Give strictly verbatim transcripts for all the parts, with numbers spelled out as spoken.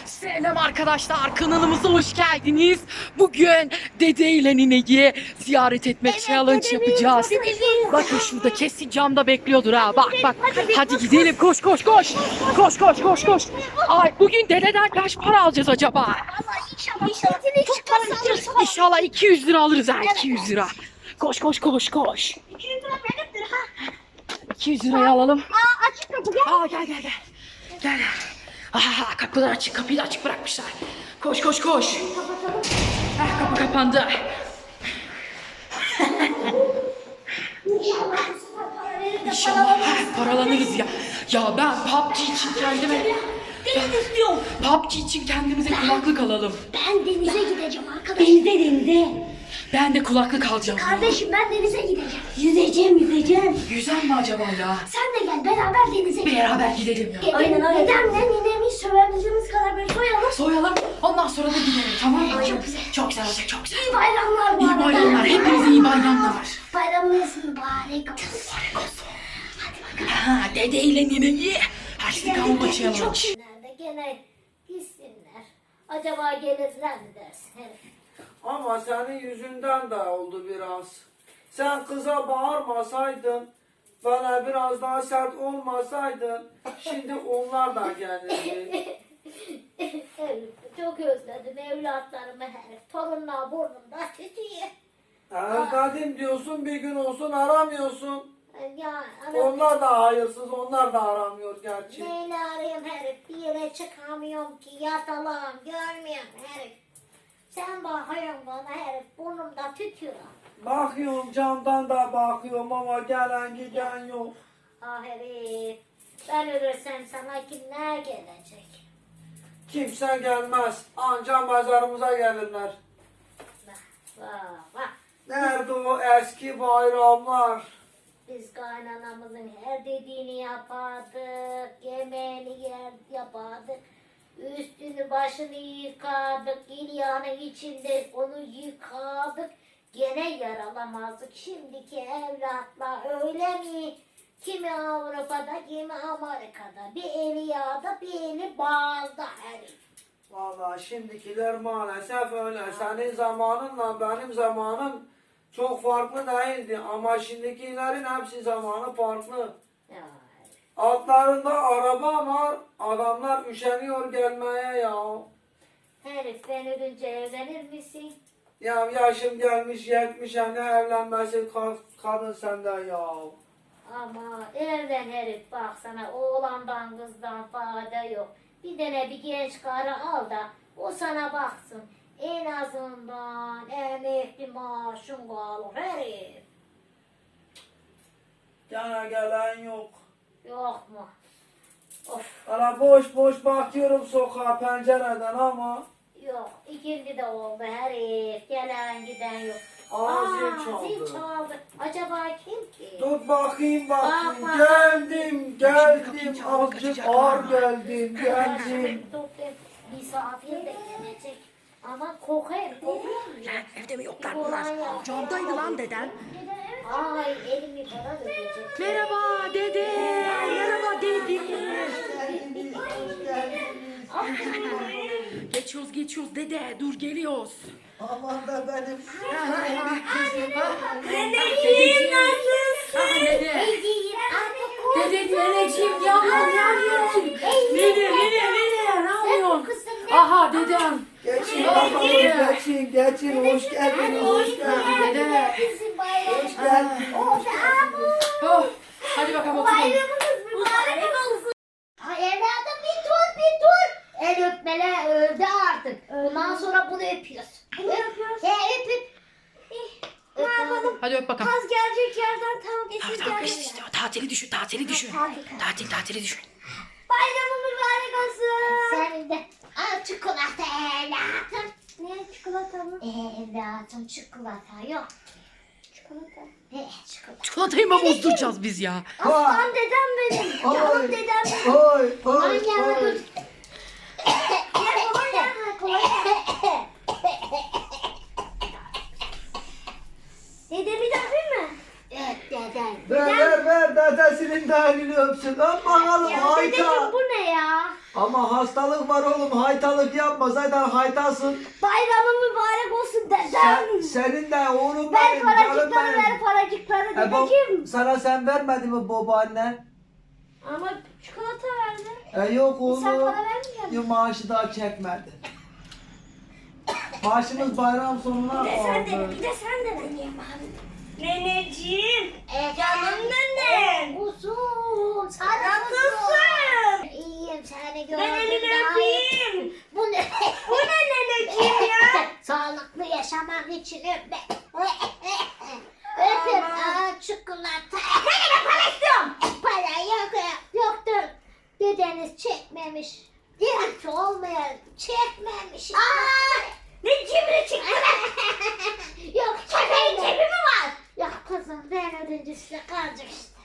Selam arkadaşlar, kanalımıza hoş geldiniz. Bugün dede ile nineyi ziyaret etmek Evet, challenge dedemiz, yapacağız. dedemiz. Bakın şurada kesin camda bekliyordur ha. Bak bak. Hadi gidelim, koş koş koş. Koş koş koş koş. Ay, bugün dededen kaç para alacağız acaba? Vallahi inşallah inşallah çok para alırız. İnşallah iki yüz lira alırız ha, iki yüz lira. Koş koş koş koş. iki yüz lira benimdir ha. iki yüz lirayı alalım. Aa açık kapı gel. Aa gel gel gel. Gel. Aa, kapılar açık, kapıyı da açık bırakmışlar. Koş koş koş. Kapatalım. Ah, kapı kapandı. İnşallah bu sefer para verir de İnşallah ha, paralanırız ya. Ya ben P U B G için kendime... Deniz istiyorum. P U B G için kendimize kulaklık alalım. Ben denize gideceğim arkadaş. Denize denize. Ben de kulaklık alacağım. Kardeşim ben denize gideceğim. Yüzeceğim yüzeceğim. Yüzen mi acaba ya? Sen de gel beraber denize gidelim. Beraber gidelim ya. Aynen aynen. Dedemle ninemi sövebildiğimiz kadar böyle soyalım. Soyalım, ondan sonra da gidelim, tamam mı? Ay, çok güzel. Çok güzel olacak, çok güzel. İyi bayramlar bu İyi arada. bayramlar, hepinize iyi bayramlar. Bayramınız mübarek olsun. Mübarek olsun. Ha, dede ile nineyi harçlık alma challenge. Nerede gene gitsinler. Acaba gelirler mi dersin? Evet. Ama senin yüzünden de oldu biraz. Sen kıza bağırmasaydın, bana biraz daha sert olmasaydın, şimdi onlar da gelirdi. Evet, çok özledim evlatlarımı herif. Torunlar burnumda tütüyor. Özledim diyorsun, bir gün olsun aramıyorsun. Ya anam, Onlar da hayırsız, onlar da aramıyor gerçi. neyle arayayım herif? Bir yere çıkamıyorum ki yatalağım görmüyorum herif. Sen bakıyorsun bana herif burnumda tütüyor. Bakıyorum camdan da bakıyorum ama gelen giden yok. Ah herif. Ben ölürsem sana kimler gelecek? Kimse gelmez, anca mezarımıza gelirler. Bak bak bak. Nerede o eski bayramlar? Biz kaynanamızın her dediğini yapardık, yemeğini yer yapardık, üstünü başını yıkardık, İlya'nın içinde onu yıkardık, gene yaralamazdık. Şimdiki evlatlar öyle mi? Kimi Avrupa'da, kimi Amerika'da, bir eli yağda, bir eli bağda herif. Vallahi şimdikiler maalesef öyle. Senin zamanınla benim zamanım çok farklı değildi ama şimdikilerin hepsi zamanı farklı. Ya, Altlarında araba var, adamlar üşeniyor gelmeye ya. herif ben ölünce evlenir misin? Ya yaşım gelmiş yetmişe ne evlenmesi ka- kadın sende ya. Ama evlen herif baksana oğlandan kızdan fayda yok. Bir tane bir genç karı al da o sana baksın. En azından emekli maaşın kalır herif. Gene gelen yok. Yok mu? Of Ana boş boş bakıyorum sokağa pencereden ama yok ikindi de oldu herif. Gelen giden yok. Aa, zil çaldı. Zil çaldı. Acaba kim ki? dur bakayım bakayım. Bak, bak. Geldim geldim kapıyı azıcık kaçacak ağır ama. geldim geldim. Toplayayım. Misafir de gelecek. Ama kokar, kokuyor mu? Evde mi yoklar Kolay bunlar? ya. Camdaydı lan deden. Ay elimi para dökecek. Merhaba dede. Merhaba dede. Geçiyoruz geçiyoruz dede. Dur geliyoruz. Aman da benim. Dedeciğim nasılsın? Dede. Dede neneciğim yavrum yavrum. Nene nene nene ne yapıyorsun? Aha dedem. Geçin bakalım geçin geçin hoş geldin hoş geldin. Dede. Bizim bayramımız. Hoş geldin. Oh be abu. Oh, hadi bakalım oturalım. Bayramımız mübarek olsun. Ay evladım bir dur bir dur. El öpmeler öldü artık. Bundan sonra bunu öpüyoruz. Bunu öpüyoruz. He öp öp. Ne yapalım? Hadi öp bakalım. Kaz gelecek yerden tam Tamam geçir tamam gelecek. işte tatili düşün tatili düşün. Tatil. Tatil tatili düşün. Bayramın mübarek olsun. Senin de. Al çikolata evlatım. Ne çikolata mı? Evlatım çikolata yok. Çikolata. He çikolata. Çikolatayı mı bozduracağız biz ya? Aslan dedem benim. Canım dedem benim. Oy oy Annem oy. dur. Gel baba gel. Kolay gel. Dedemi de öpeyim mi? Evet dedem. Ver ver ver dedesinin de elini öpsün. Öp bakalım Ya dedeciğim Ayta. bu ne ya? Ama hastalık var oğlum. Haytalık yapma. Zaten haytasın. Bayramın mübarek olsun dedem. Sen, senin de oğlum Ver benim. Canım paracıkları benim. ver paracıkları E, bu- dedeciğim. sana sen vermedi mi babaannen? Ama çikolata verdi. E yok oğlum. Sen para vermeyecek misin? Yok, maaşı daha çekmedi. Maaşımız bayram sonuna Bir de sen de, kaldı. bir de sen de deneyeyim abi. Neneciğim. E, Canım nenem. Uzun. Sana Nasılsın? İyiyim seni gördüm. Ben elini daha iyi. öpeyim. Bu ne? Bu ne neneciğim ya? Sağlıklı yaşamak için öpme. Öpün. Aa, çikolata. Ben de para istiyorum. Para yok. Yoktur. Dedeniz çekmemiş. İlk olmayan çekmemiş. Aa, ne cimri çıktı be? Yok. Köpeğin cebi mi var? Yok kızım ben ödünce size kalacak işte.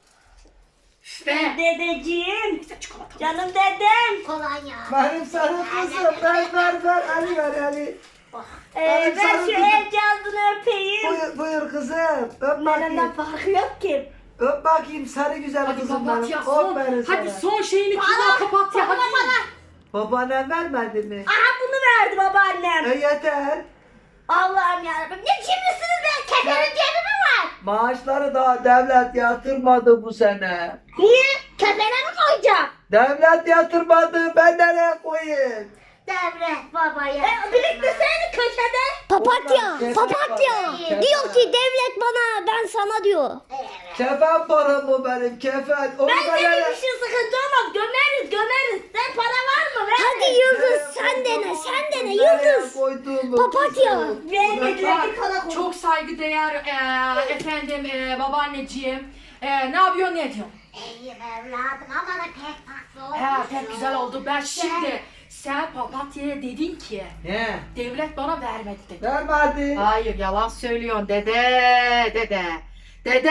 İşte. Dedeciğim. İşte çikolata. Canım dedem. Kolonya. Benim sarı kızım. Ver ver ver. Ali ver Ali. Ee, Benim ben sarı şu kızım. el cihazını öpeyim. Buyur, buyur kızım. Öp Nenemden bakayım. farkı yok ki. Öp bakayım sarı güzel Hadi kızım papatya benim. son. Aferin Hadi sana. son şeyini kullan papatya. Hadi. Babaannen vermedi mi? Aha bunu verdi babaannem. E yeter. Allah'ım yarabbim. Ne cimrisiniz be? Kefenin cebi mi var? Maaşları daha devlet yatırmadı bu sene. Niye? Kefene mi koyacağım? Devlet yatırmadı. Ben nereye koyayım? Devlet babaya. E, biriktirseydik köşede. Papatya, papatya. Diyor ki devlet bana, ben sana diyor. Kefen param bu benim kefen. Onu Ben da senin nereye- işin sıkıntı olmaz. Gömeriz gömeriz. Sen para var mı? Ver. Hadi Yıldız sen dene sen dene Nereye Yıldız. koyduğumu Papatya. kızım. Vermediler ki para koy. Çok saygıdeğer e, efendim e, babaanneciğim. E, ne yapıyorsun ne ediyorsun? İyiyim evladım ama da pek tatlı olmuş. He pek güzel oldu. Ben şimdi sen papatyaya dedin ki Ne? devlet bana vermedi dedi. Vermedi. Hayır yalan söylüyorsun dede dede. Dede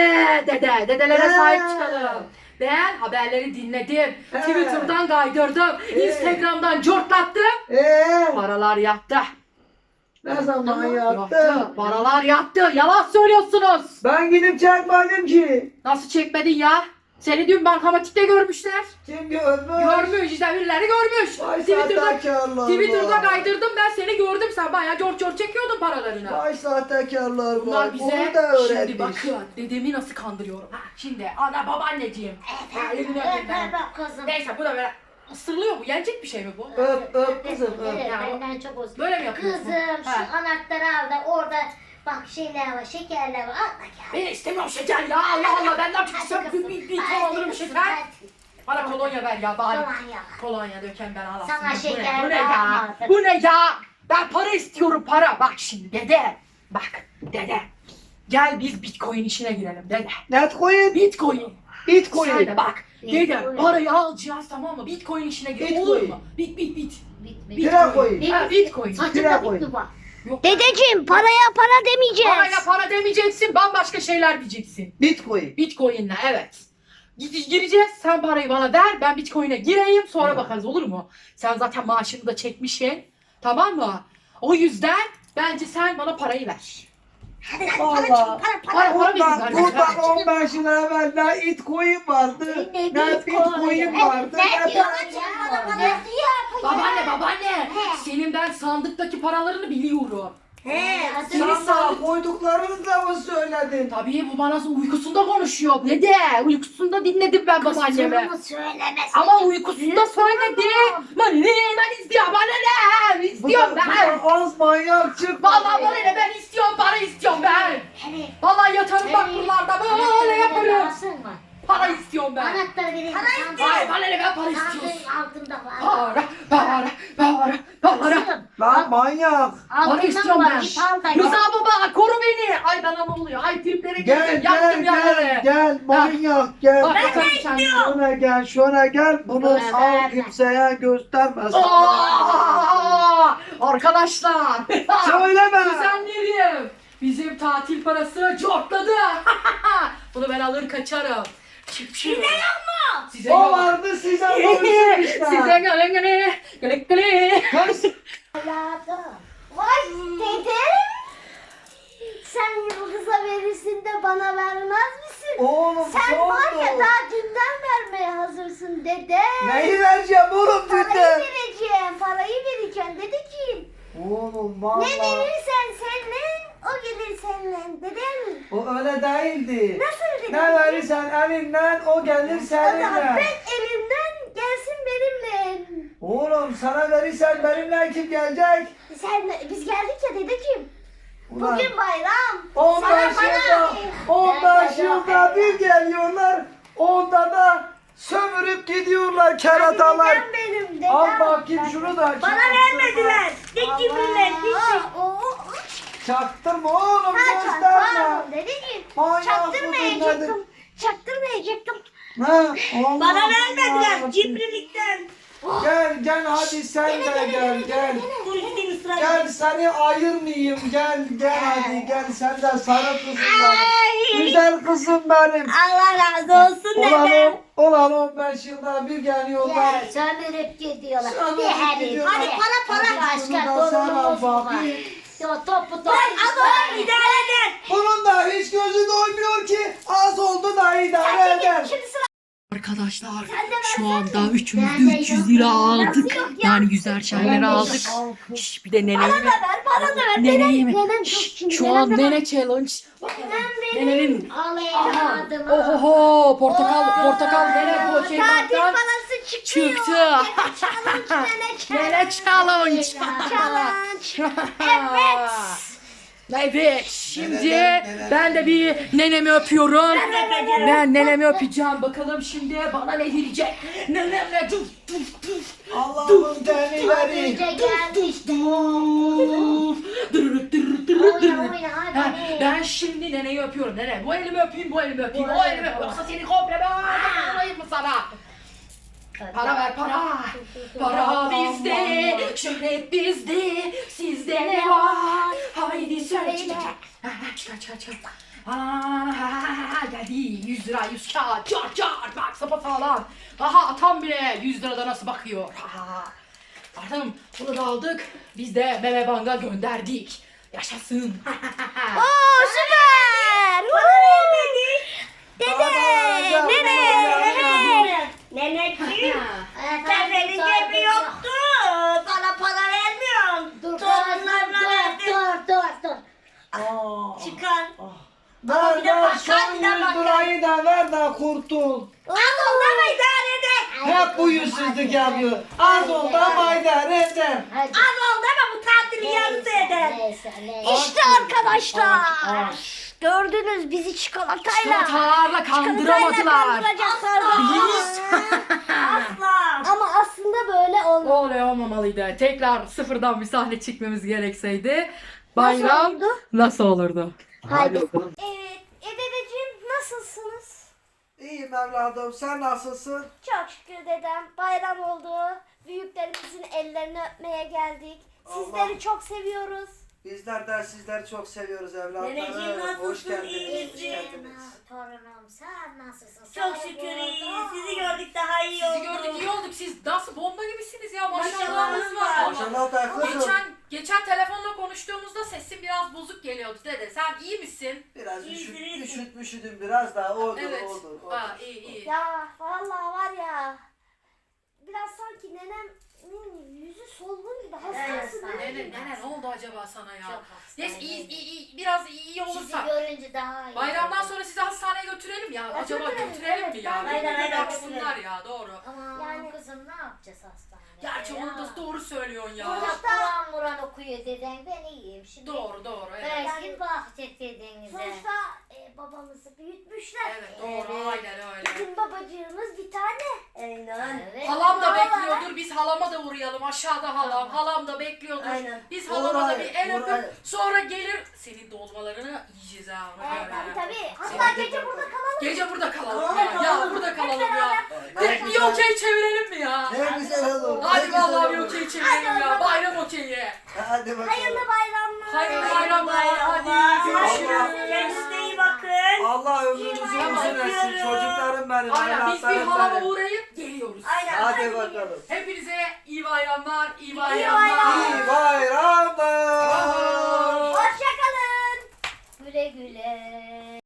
dede dedelere He. sahip çıkalım. Ben haberleri dinledim. He. Twitter'dan kaydırdım. He. Instagram'dan cortlattım. Eee? Paralar yattı. Ne zaman Yattı. yattı? Paralar yattı. Yalan söylüyorsunuz. Ben gidip çekmedim ki. Nasıl çekmedin ya? Seni dün bankamatikte görmüşler. Kim görmüş? Görmüş işte birileri görmüş. Vay Twitter'da, sahtekarlar Twitter'da var. kaydırdım ben seni gördüm. Sen bayağı cor cor çekiyordun paralarını. Vay sahtekarlar Bunlar var. bize Bunu da şimdi öğretmiş. bakın dedemi nasıl kandırıyorum. Ha, şimdi ana babaanneciğim. Ha, elini öpeyim Öp ben. öp öp kızım. Neyse bu da böyle ısırılıyor bu. Yenecek bir şey mi bu? Öp öp kızım öp. Evet, Ya, benden çok olsun. Böyle mi yapıyorsun? Kızım şu Ha. anahtarı al da orada bak şeyler var şekerler var al da gel. Ben istemiyorum şeker ya Allah Allah benden Hadi çıksam bir, kızım, bir, bir hadi ton alırım kızım, şeker. hadi. Bana kolonya ver ya bari. Kolonya. Kolonya döken ben alasın. Sana Bu ne- şeker Bu ne ya? vermem. Bu ne ya? Ben para istiyorum para. Bak şimdi dede. Bak dede. Gel biz bitcoin işine girelim dede. Net koyun. Bitcoin. Bitcoin. Sen de bak. Dede Bitcoin. parayı alacağız tamam mı? Bitcoin işine girelim olur Bitcoin. mu? Bit bit bit. Bitmedi. Bira koyun. Ha bitcoin. Bira Saçında koy. bitti bak. Yok. Dedeciğim paraya para demeyeceğiz. Parayla para demeyeceksin. Bambaşka şeyler diyeceksin. Bitcoin. Bitcoin'le evet. Gide- Gireceğiz. Sen parayı bana ver. Ben Bitcoin'e gireyim. Sonra bakarız olur mu? Sen zaten maaşını da çekmişsin. Tamam mı? O yüzden bence sen bana parayı ver. Hadi hadi Vallahi. para çıkın para para. Para para verin Bundan, kardeşim. bundan on beş yıl evvel ne itcoin vardı, Ne ne Bitcoin? bitcoin vardı, Ne ne diyorsun para ya? vardı. Ne diyor? Babaanne babaanne. He. Senin ben sandıktaki paralarını biliyorum. He. Seni Sana sandık. koyduklarını da mı söyledin? Tabii bu bana uykusunda konuşuyor. Ne de? Uykusunda dinledim ben babaannemi. Kızımı söylemesin. Ama uykusunda söyledi. Ben ne? Ben istiyorum. Bana ne? Bu İstiyorum da, bu ben. da az manyak çıktı. Vallahi bana ne? Ben istiyorum. Para istiyorum ben. Evet. Vallahi yatarım bak buralarda böyle yaparım. Alsın mı? Para istiyorum ben. Anahtarı vereyim. Para Sandığın- istiyorum. Hayır bana ne? Ben para istiyorum. Sandığın altında var. Para, para, para, para. Kızım, Lan manyak. Para altından istiyorum var. ben. Git al da Rıza gel. baba koru beni. Ay bana ne oluyor? Ay triplere Gel girdim. gel Yaktım gel yerleri. gel manyak gel. Bak bakalım sen. Şuna gel şuna gel. Bunu Buna sağ verme. kimseye gösterme. Aa! Arkadaşlar. Söyleme. Kuzenlerim. Bizim tatil parası cortladı. Bunu ben alır kaçarım. Çık çık. Size yok mu? Size O yok. vardı size konuşsun işte. Size gele gele gele gele. Kız. Hayatım. Vay dede. Sen Yıldız'a verirsin de bana vermez misin? Oğlum Sen ne var ya oldu? daha dünden vermeye hazırsın dede. Neyi vereceğim oğlum? öyle değildi. Nasıl öyle? Ne verirsen elinden o gelir O zaman seninle. ben elimden gelsin benimle. Oğlum sana verirsen benimle kim gelecek? Sen, biz geldik ya dedeciğim. Ulan Bugün bayram. on beş Sana yılda, bana. on beş yılda bir geliyorlar. Onda da sömürüp gidiyorlar keratalar. Dedem benim dedem. Al bakayım şunu da. Bana vermediler. Ne cimriler. Allah. Oo. Çaktırma oğlum Ha, gösterme. pardon dedeciğim. Manyak Çaktırmayacaktım. Çaktırmayacaktım. Ha, Allah Bana Allah. vermediler cimrilikten. Gel gel hadi sen de gel gel. Dur gideyim ısrar Gel seni ayırmayayım gel gel hadi gel sen de sarı kızım benim. Güzel kızım benim. Allah razı olsun Ulan, dedem. o- ulan on beş yılda bir geliyorlar. Ya sömürüp gidiyorlar. Sömürüp Bir herif. gidiyorlar. Hadi para para. Hadi şunu Başka da sana torunumuz mu var? bakayım. Ya topu topu. Ama idare eder. Bunun da hiç gözü doymuyor ki az oldu da idare eder. Şimdi sıra Arkadaşlar Sen de şu versene. anda üçümüz de Ben de üç yüz yok. lira Nasıl aldık. yok ya? Yani yüzer şeyleri Ben de aldık. yok. Şş, bir de neneyi bana mi? da ver, bana da ver. Neneyi mi? Nenem çok Şş, şimdi. Şu nenem an de var. nene challenge. Bakalım. Nenenin. Al Aha. evladım. Ohoho portakal portakal nene bu şey Tatil baktan parası çıkıyor. çıktı. Challenge, nene Nene challenge. challenge. Evet. Evet şimdi ben de bir nenemi öpüyorum. Ben nenemi öpeceğim. Bakalım şimdi bana ne diyecek. Nenem ne? Dur dur dur. Allah'ım denileri. Önce geldi işte. Dur dur dur dur dur. Oyna oyna hadi. Ha, ben şimdi neneyi öpüyorum. Nene bu elimi öpeyim bu elimi öpeyim. O elimi öpeyim. Yoksa seni komple ben alayım mı sana? Para ver para. Para bizde, şöhret bizde, sizde ne var? Haydi söyle. Ha, ha, Çıkar çıkar çıkar. Aa, geldi yüz lira yüz kağıt çar çar bak sapasağlam. Aha atam bile yüz lirada nasıl bakıyor. Ha. Artık bunu da aldık. Biz de Meme Bank'a gönderdik. Yaşasın. Oo süper. Dede, nene, nene. Neneciğim. Seferin cebi yoktu. Bana para vermiyorsun. Dur Torunlarına dur verdin. dur dur dur. Aa. Çıkar. Ver bir de ver bakkal, son bir de yüz bakkal. lirayı da ver de kurtul. Az oldu ama idare eder. Hep bu yüzsüzlük yapıyor. Az oldu ama idare eder. Hadi. Az oldu ama bu tatili yarısı eder. Neyse neyse. İşte arkadaşlar. Gördünüz bizi çikolatayla. Çikolatayla kandıramadılar. kandıracaklar. Biz Asla. Ama aslında böyle olmaz. öyle olmamalıydı. Tekrar sıfırdan bir sahne çekmemiz gerekseydi bayram olurdu? nasıl olurdu? Haydi. bakalım. Evet, e dedeciğim nasılsınız? İyiyim evladım sen nasılsın? Çok şükür dedem. Bayram oldu. Büyüklerimizin ellerini öpmeye geldik. Sizleri Allah. çok seviyoruz. Bizler de sizleri çok seviyoruz Neneciğim, evlatlarım. nasılsın? Hoş geldiniz. İyi Hoş misin? geldiniz. Torunum sen nasılsın? Çok Seni şükür iyi. buldum. Sizi gördük daha iyi oldu. Sizi gördük iyi olduk. Siz nasıl bomba gibisiniz ya Maşallahınız maşallahınız var. var. Maşallah da kızım. Geçen geçen telefonla konuştuğumuzda sesin biraz bozuk geliyordu dede. Sen iyi misin? Biraz İyisin, üşüt, iyisin. üşüt, üşüdüm biraz daha odur Evet. odur. odur. Ha iyi iyi. Ya vallahi var ya. Biraz sanki nenemin yüzü solgun gibi. Hastasın Evet, değil mi? Nene nene ne oldu acaba sana ya? Çok Neyse hastayım. iyi, iyi, iyi biraz iyi Sizi olursak. görünce daha iyi. Bayramdan oldum. sonra sizi hastaneye götürelim ya. Acaba Götürelim, götürelim evet, mi ya? bence de Aynen götürelim. baksınlar ya doğru. Aman Yani- kızım ne yapacağız hastanede? Gerçi ya? onu da doğru söylüyorsun ya. Burada Kur'an Muran okuyor deden ben iyiyim şimdi. Doğru doğru evet. Belki bakacak dedenize. Sonuçta e, babamızı büyütmüşler. Evet doğru Evet. aynen öyle. Bizim babacığımız bir tane. Aynen. Evet. Halam da Vallahi. bekliyordur. Biz halama da uğrayalım. Aşağıda halam. Halam da bekliyordur. Aynen. Biz halama da bir el Uğray, uğray. öpüp sonra gelir. Senin dolmalarını yiyeceğiz ha. ona Evet, göre. tabii tabii. Hatta Senin- gece burada kalalım. Gece burada kalalım Kalalım, ya. Ya kalalım. burada Hep kalalım ya. beraber. Direkt bir okey çevirelim mi ya? Ne güzel olur. ne Hadi güzel vallahi bir olur. okey çevirelim ya. Bayram okeyi. Hadi bakalım. Hayırlı bayramlar. Hayırlı bayramlar. Hadi Kendinize görüşürüz. iyi bakın. Allah ömrünüzü Tamam, uzun etsin öpüyorum. çocuklarım benim. Aynen biz bir evlatlarım halama benim. uğrayıp geliyoruz. Aynen. Hadi bakalım. Hepinize iyi bayramlar. iyi bayramlar. bayramlar. İyi bayramlar. Hoşçakalın. Güle güle.